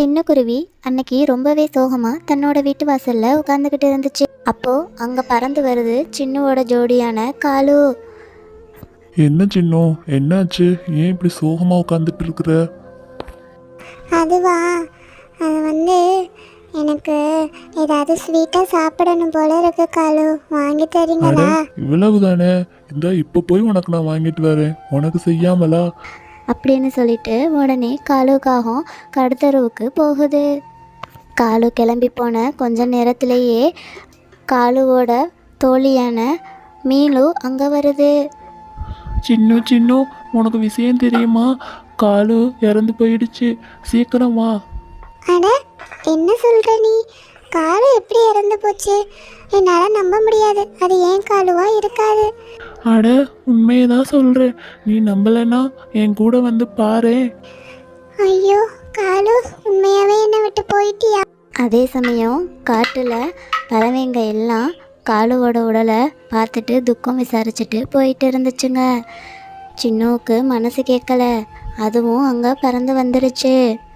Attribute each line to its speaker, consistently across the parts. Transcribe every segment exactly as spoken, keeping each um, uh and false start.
Speaker 1: சின்ன குருவி அன்னைக்கு ரொம்பவே சோகமா தன்னோட வீட்டு வாசல்ல உட்காந்துக்கிட்டு இருந்துச்சு. அப்போ அங்க பறந்து வருது சின்னுவோட ஜோடியான காலு.
Speaker 2: என்ன சின்னம், என்னாச்சு? ஏன் இப்படி சோகமா உட்காந்துட்டு இருக்கிற?
Speaker 3: அதுவா, அது வந்து எனக்கு ஏதாவது ஸ்வீட்டாக சாப்பிடணும் போல இருக்கு காலு, வாங்கி
Speaker 2: அட,
Speaker 3: தரீங்களா?
Speaker 2: இவ்வளவு தானே? இந்த இப்போ போய் உனக்கு நான் வாங்கிட்டு வரேன், உனக்கு செய்யாமலா?
Speaker 1: அப்படின்னு சொல்லிட்டு உடனே காலுக்காகவும் கடத்தருவுக்கு போகுது. காலு கிளம்பி போன கொஞ்ச நேரத்திலேயே காலுவோட தோழியான மீலு அங்கே வருது.
Speaker 2: சின்னு சின்னு, உனக்கு விஷயம் தெரியுமா? காலு இறந்து போயிடுச்சு, சீக்கிரம் வா.
Speaker 3: அட, என்ன சொல்கிற நீ? காலு எப்படி இறந்து போச்சு? என்னால் நம்ப முடியாது. அது ஏன் காலுவா இருக்காது.
Speaker 2: அட, உண்மையை தான் சொல்கிறேன். நீ நம்பலைன்னா என் கூட வந்து பாரு.
Speaker 3: ஐயோ காலு, உண்மையாகவே என்னை விட்டு போயிட்டியா?
Speaker 1: அதே சமயம் காட்டில் பறவைங்க எல்லாம் காலுவோட உடலை பார்த்துட்டு துக்கம் விசாரிச்சுட்டு போயிட்டு இருந்துச்சுங்க. சின்னுவுக்கு மனசு கேட்கல, அதுவும் அங்கே பறந்து வந்துடுச்சு.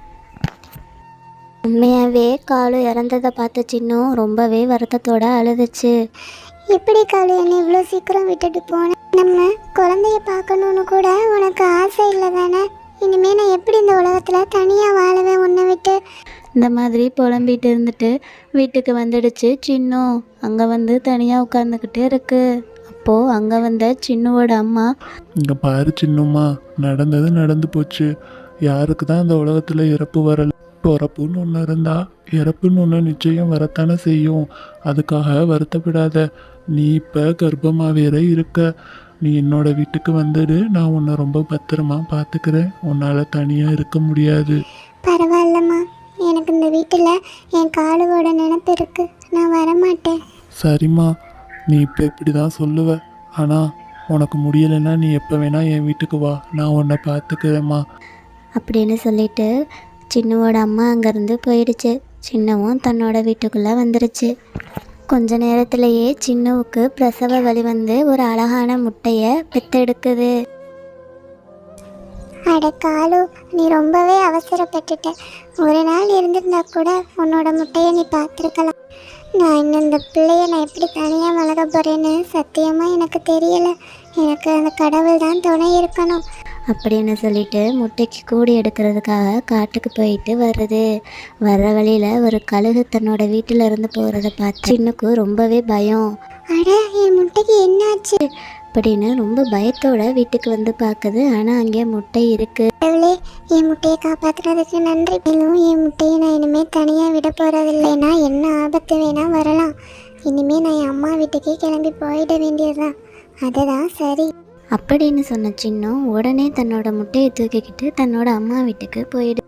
Speaker 1: உண்மையாகவே காலு இறந்ததை பார்த்த சின்னு ரொம்பவே வருத்தத்தோட அழுதுச்சு.
Speaker 3: எப்படி காலு என்னை இவ்வளோ சீக்கிரம் விட்டுட்டு போனேன்? நம்ம குழந்தைய பார்க்கணுன்னு கூட உனக்கு ஆசை இல்லை தானே? இனிமேல் நான் எப்படி இந்த உலகத்தில் தனியாக வாழுவேன் உன்னை விட்டு?
Speaker 1: இந்த மாதிரி புலம்பிட்டு இருந்துட்டு வீட்டுக்கு வந்துடுச்சு சின்னு. அங்கே வந்து தனியாக உட்காந்துக்கிட்டே இருக்கு. அப்போது அங்கே வந்த சின்னுவோட அம்மா,
Speaker 2: இங்கே பாரு சின்னம்மா, நடந்தது நடந்து போச்சு. யாருக்கு தான் இந்த உலகத்தில் இறப்பு வரல? பிறப்புன்னு ஒன்று இருந்தா இறப்புன்னு ஒன்று நிச்சயம் வரத்தானே செய்யும். அதுக்காக வருத்தப்படாத. நீ இப்போ கர்ப்பமாக வேற இருக்க. நீ என்னோட வீட்டுக்கு வந்துடு, நான் உன்னை ரொம்ப பத்திரமா பார்த்துக்கிறேன். உன்னால் தனியாக இருக்க முடியாது.
Speaker 3: பரவாயில்லம்மா, எனக்கு இந்த வீட்டில் என் காலுவோட நினப்பு இருக்குது. நான் வரமாட்டேன்.
Speaker 2: சரிம்மா, நீ இப்போ இப்படி தான் சொல்லுவ. ஆனால் உனக்கு முடியலைன்னா நீ எப்போ வேணா என் வீட்டுக்கு வா, நான் உன்னை பார்த்துக்கிறேம்மா.
Speaker 1: அப்படின்னு சொல்லிட்டு சின்னுவோட அம்மா அங்கேருந்து போயிடுச்சு. சின்னவும் தன்னோட வீட்டுக்குள்ளே வந்துருச்சு. கொஞ்ச நேரத்திலேயே சின்னுவுக்கு பிரசவ வலி வந்து ஒரு அழகான முட்டையை பெத்தெடுக்குது.
Speaker 3: அட காலு, நீ ரொம்பவே அவசரப்பட்டுட்ட. ஒரு நாள் இருந்திருந்தா கூட உன்னோட முட்டையை நீ பார்த்துருக்கலாம். நான் இன்னும் இந்த பிள்ளைய நான் எப்படி தனியாக வளர போகிறேன்னு சத்தியமாக எனக்கு தெரியலை. எனக்கு அந்த கடவுள் தான் துணை இருக்கணும்.
Speaker 1: அப்படின்னு சொல்லிட்டு முட்டைக்கு கூடி எடுக்கிறதுக்காக காட்டுக்கு போயிட்டு வருது. வர்ற வழியில் ஒரு கழுகு தன்னோட வீட்டில் இருந்து போகிறத பார்த்து சின்னுக்கு ரொம்பவே பயம்.
Speaker 3: அட, என் முட்டைக்கு என்னாச்சு?
Speaker 1: அப்படின்னு ரொம்ப பயத்தோட வீட்டுக்கு வந்து பார்க்குது. ஆனால் அங்கே முட்டை இருக்குது.
Speaker 3: கடவுளே, என் முட்டையை காப்பாற்றுறதுக்கு நன்றி. மேலும் என் முட்டையை நான் இனிமேல் தனியாக விட போகிறதில்லைன்னா என்ன ஆபத்து வேணால் வரலாம். இனிமேல் நான் என் அம்மா வீட்டுக்கே கிளம்பி போயிட வேண்டியதுதான். அதுதான் சரி.
Speaker 1: அப்படின்னு சொன்ன சின்னம் உடனே தன்னோட முட்டையை தூக்கிக்கிட்டு தன்னோட அம்மா வீட்டுக்கு போயிடு.